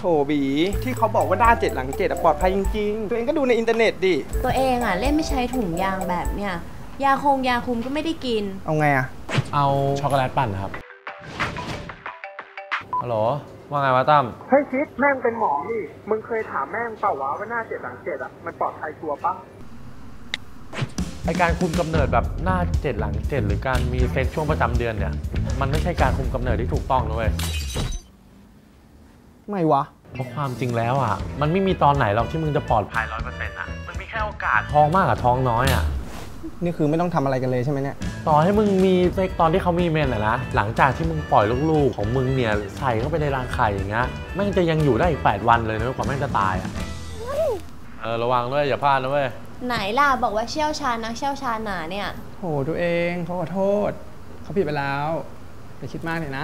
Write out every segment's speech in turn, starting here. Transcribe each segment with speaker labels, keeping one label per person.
Speaker 1: โถบีที่เขาบอกว่าหน้า7หลัง7ปลอดภัยจริงๆตัวเองก็ดูในอินเทอร์เน็ตดิ
Speaker 2: ตัวเองเล่นไม่ใช้ถุงยางแบบเนี้ยยาคุมก็ไม่ได้กิน
Speaker 1: เอาไง
Speaker 3: เอาช็อกโกแลตปั่นครับฮัลโหลว่าไงวะตั้ม
Speaker 1: เฮ้ยคิดแม่งเป็นหมอนี่มึงเคยถามแม่งเปล่าวะว่าหน้า7หลัง7มันปลอดภัยชัวร์ปะ
Speaker 3: ไอการคุมกำเนิดแบบหน้า7หลัง7หรือการมีเซ็กช่วงประจำเดือนเนี่ยมันไม่ใช่การคุมกำเนิดที่ถูกต้องนะเว้ย
Speaker 1: ไม่วะ
Speaker 3: เพราะความจริงแล้วมันไม่มีตอนไหนหรอกที่มึงจะปลอดภัย 100% มันมีแค่โอกาสท้องมากกับท้องน้อย
Speaker 1: นี่คือไม่ต้องทำอะไรกันเลยใช่ไหมเนี่ย
Speaker 3: ต่อให้มึงมีเซ็กตอนที่เขามีเมนนะหลังจากที่มึงปล่อยลูกๆของมึงเนี่ยใส่เข้าไปในรังไข่อย่างเงี้ยแม่งจะยังอยู่ได้อีก8 วันเลยนะกว่าแม่งจะตายระวังด้วยอย่าพลาดนะเว้ย
Speaker 2: ไหนล่ะบอกว่าเชี่ยวชาญนักเชี่ยวชาญหนาเนี่ย
Speaker 1: โหตัวเองเขาขอโทษเขาผิดไปแล้วอย่าคิดมากเลยนะ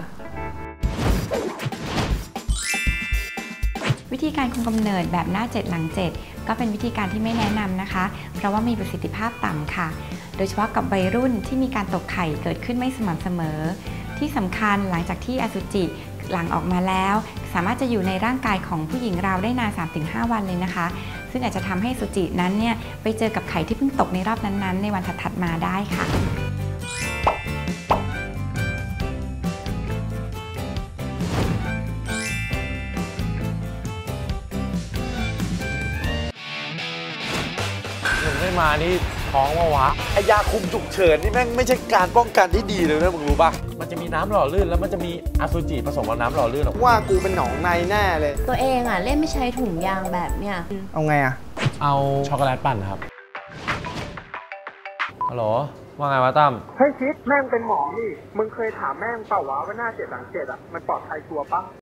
Speaker 4: วิธีการคุมกำเนิดแบบหน้า7หลัง7ก็เป็นวิธีการที่ไม่แนะนำนะคะเพราะว่ามีประสิทธิภาพต่ำค่ะโดยเฉพาะกับวัยรุ่นที่มีการตกไข่เกิดขึ้นไม่สม่ำเสมอที่สำคัญหลังจากที่อสุจิหลั่งออกมาแล้วสามารถจะอยู่ในร่างกายของผู้หญิงเราได้นาน 3-5 วันเลยนะคะซึ่งอาจจะทำให้อสุจินั้นเนี่ยไปเจอกับไข่ที่เพิ่งตกในรอบนั้นๆในวันถัดๆมาได้ค่ะ
Speaker 3: ไม่มานี่ท้องวะ
Speaker 5: ไอยาคุมฉุกเฉินนี่แม่งไม่ใช่การป้องกันที่ดีเลยนะมึงรู้ป่ะ
Speaker 3: มันจะมีน้ำหล่อลื่นแล้วมันจะมีอสุจิผสมกับน้ำหล่อลื่น
Speaker 1: ว่ากูเป็นหนองในแน่เลย
Speaker 2: ตัวเองเล่นไม่ใช้ถุงยางแบบเนี้ย
Speaker 1: เอาไง
Speaker 3: เอาช็อกโกแลตปั่นครับฮัลโหลว่าไงวะตั้ม
Speaker 1: เฮ้ยคิดแม่งเป็นหมอนี่มึงเคยถามแม่งเปล่าวะว่าหน้า7หลัง7มันปลอดภัยชัวร์ปะ